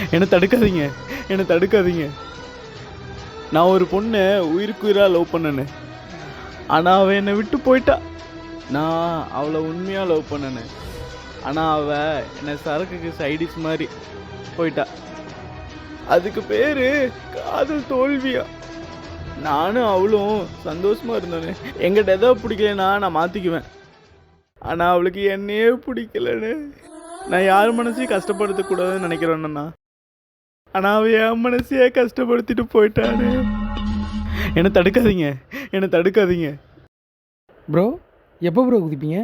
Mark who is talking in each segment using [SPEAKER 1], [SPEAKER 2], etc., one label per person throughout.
[SPEAKER 1] என்னை தடுக்காதீங்க, என்னை தடுக்காதீங்க. நான் ஒரு பொண்ணை உயிருக்குயிராக லவ் பண்ணேன்னு, ஆனால் அவள் என்னை விட்டு போயிட்டா. நான் அவளை உண்மையாக லவ் பண்ணேன்னு, ஆனால் அவள் என்னை சரக்குக்கு சைடிஸ் மாதிரி போயிட்டா. அதுக்கு பேர் காதல் தோல்வியா? நானும் அவளும் சந்தோஷமாக இருந்தேன்னு. எங்கிட்ட எதோ பிடிக்கலன்னா நான் மாற்றிக்குவேன், ஆனால் அவளுக்கு என்னையே பிடிக்கலன்னு. நான் யார் மனசையும் கஷ்டப்படுத்தக்கூடாதுன்னு நினைக்கிறேன்னா, ஆனால் அவள் என் மனசையே கஷ்டப்படுத்திட்டு போயிட்டானு. என்னை தடுக்காதீங்க, என்னை தடுக்காதீங்க.
[SPEAKER 2] ப்ரோ எப்போ ப்ரோ குதிப்பீங்க?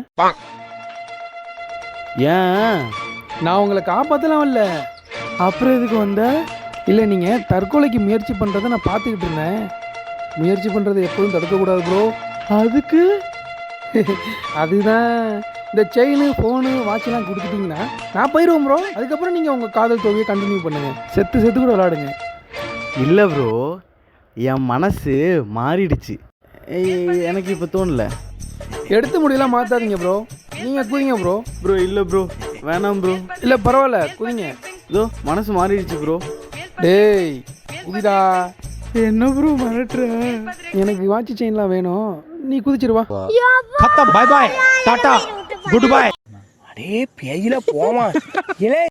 [SPEAKER 1] ஏன்?
[SPEAKER 2] நான் உங்களை காப்பாற்றலாம் இல்லை.
[SPEAKER 1] அப்புறம் எதுக்கு வந்த?
[SPEAKER 2] இல்லை, நீங்கள் தற்கொலைக்கு முயற்சி பண்ணுறதை நான் பார்த்துக்கிட்டு இருந்தேன். முயற்சி பண்ணுறதை எப்போதும் தடுக்கக்கூடாது ப்ரோ.
[SPEAKER 1] அதுக்கு
[SPEAKER 2] அதுதான் இந்த செயின் ஃபோனு வாட்செலாம் கொடுத்துட்டிங்கன்னா நான் போயிடுவேன் ப்ரோ. அதுக்கப்புறம் நீங்கள் உங்கள் காதல் தோல்வியை கண்டினியூ பண்ணுங்கள். செத்து செத்து கூட விளாடுங்க.
[SPEAKER 1] இல்லை ப்ரோ, என் மனசு மாறிடுச்சு. எனக்கு இப்போ தோணல.
[SPEAKER 2] எடுத்து முடியலாம் மாற்றாதீங்க ப்ரோ. நீங்கள் குதிங்க ப்ரோ.
[SPEAKER 1] ப்ரோ இல்லை ப்ரோ, வேணாம் ப்ரோ.
[SPEAKER 2] இல்லை பரவாயில்ல, குதிங்க.
[SPEAKER 1] இதோ மனசு மாறிடுச்சு ப்ரோ.
[SPEAKER 2] டேய் குதிடா.
[SPEAKER 1] என்ன ப்ரோ மிரட்டுற?
[SPEAKER 2] எனக்கு வாட்ச் செயின்லாம் வேணும், நீ குதிச்சிருவா.
[SPEAKER 3] खत्म, bye bye, tata, goodbye. अरे पेयला போமா.